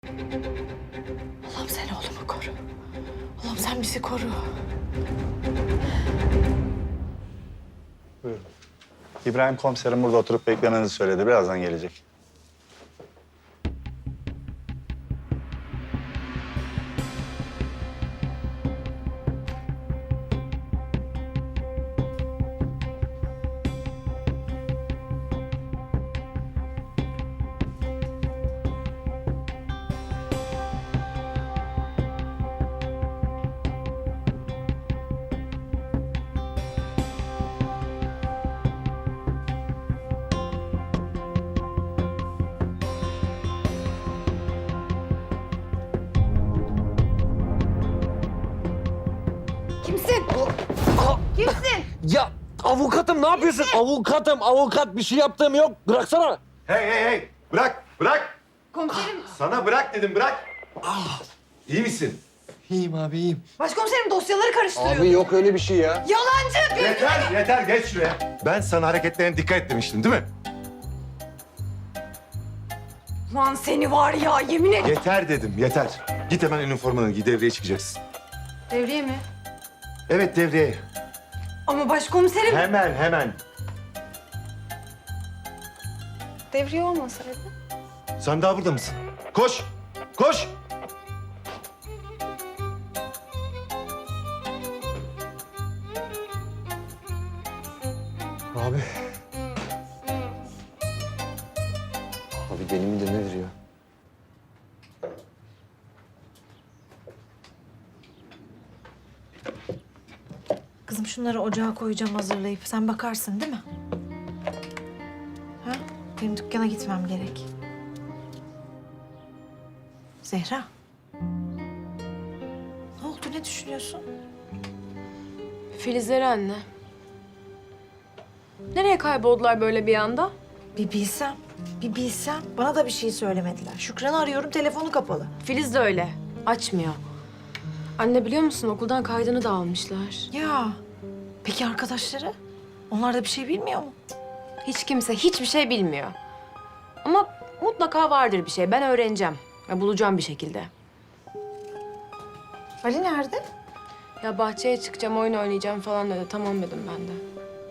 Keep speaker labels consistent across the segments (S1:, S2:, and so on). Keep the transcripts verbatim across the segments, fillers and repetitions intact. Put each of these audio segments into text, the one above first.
S1: Allah'ım sen oğlumu koru. Allah'ım sen bizi koru.
S2: Buyurun. İbrahim komiserim burada oturup beklemenizi söyledi. Birazdan gelecek.
S1: Kimsin? Kimsin?
S3: Ya avukatım ne yapıyorsun? Avukatım, avukat bir şey yaptığım yok. Bıraksana.
S4: Hey hey hey! Bırak, bırak!
S1: Komiserim,
S4: Sana bırak dedim, bırak! İyi misin?
S3: İyiyim abi, iyiyim.
S1: başkomiserim dosyaları karıştırıyor.
S3: Abi yok öyle bir şey ya.
S1: Yalancı!
S4: Yeter, yeter. Geç şuraya. Ben sana hareketlerine dikkat et demiştim, değil mi?
S1: Lan seni var ya, yemin ederim.
S4: Yeter dedim, yeter. Git hemen üniformanı giy, devreye çıkacaksın.
S1: Devriye mi?
S4: Evet, devreye.
S1: Ama başkomiserim...
S4: Hemen, hemen.
S1: Devriye olmasaydı?
S4: Sen daha burada mısın? Koş, koş!
S3: Abi. Abi deli midir nedir ya?
S5: Kızım şunları ocağa koyacağım hazırlayıp. Sen bakarsın değil mi? Ha? Benim dükkana gitmem gerek. Zehra. Ne oldu? Ne düşünüyorsun?
S6: Filizleri anne. Nereye kayboldular böyle bir anda?
S5: Bir bilsem, bir bilsem. Bana da bir şey söylemediler. Şükran'ı arıyorum, telefonu kapalı.
S6: Filiz de öyle. Açmıyor. Anne biliyor musun okuldan kaydını da almışlar.
S5: Ya, peki arkadaşları? Onlar da bir şey bilmiyor mu?
S6: Hiç kimse hiçbir şey bilmiyor. Ama mutlaka vardır bir şey. Ben öğreneceğim. Ya bulacağım bir şekilde.
S5: Ali nerede?
S6: Ya bahçeye çıkacağım, oyun oynayacağım falan dedi. Tamam dedim ben de.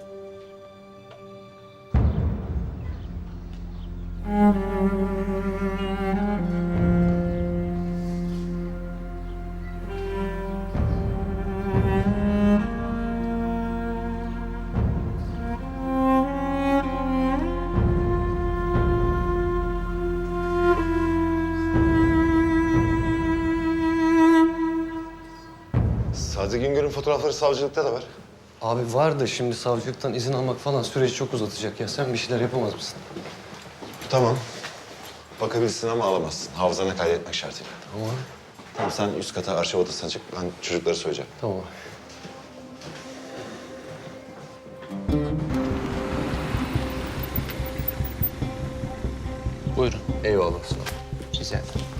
S4: Sadi Güngör'ün fotoğrafları savcılıkta da var.
S3: Abi var da şimdi savcılıktan izin almak falan süreci çok uzatacak ya. Sen bir şeyler yapamaz mısın?
S7: Tamam. Bakabilirsin ama alamazsın. Hafızana kaydetmek şartıyla.
S3: Tamam.
S7: Tamam, sen üst kata arşiv odasına çık. Ben çocukları söyleyeceğim.
S3: Tamam.
S8: Buyurun.
S3: Eyvallah. Sağ ol.
S8: Rica ederim.